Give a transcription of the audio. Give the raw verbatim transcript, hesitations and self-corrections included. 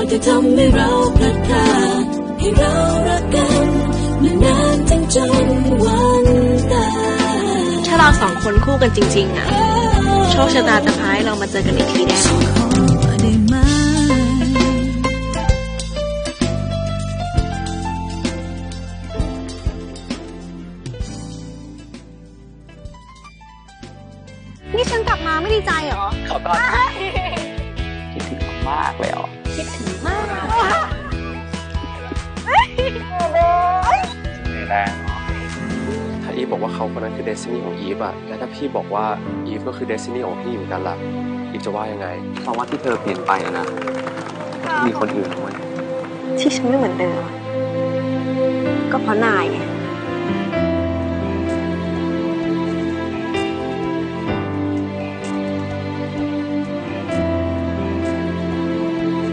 ที่ทำให้เราพลัดพรากให้เรารักกันนานๆจนจนวันตายถ้าเราสองคนคู่กันจริงๆอะโชคชะตาจะพาให้เรามาเจอกันอีกทีแน่นอนนี่ฉันกลับมาไม่ดีใจเหรอขอก่อนคิดถึงมากเลยอ่ะคิดถึงมากแรงถ้าอีฟบอกว่าเขาคนนั้นคือเดสตินีของอีฟอะแล้วถ้าพี่บอกว่าอีฟก็คือเดสตินีของพี่เหมือนกันล่ะอีฟจะว่ายังไงเพราะว่าที่เธอเปลี่ยนไปอะนะที่มีคนอื่นด้วยที่ฉันไม่เหมือนเดิมก็เพราะนายไง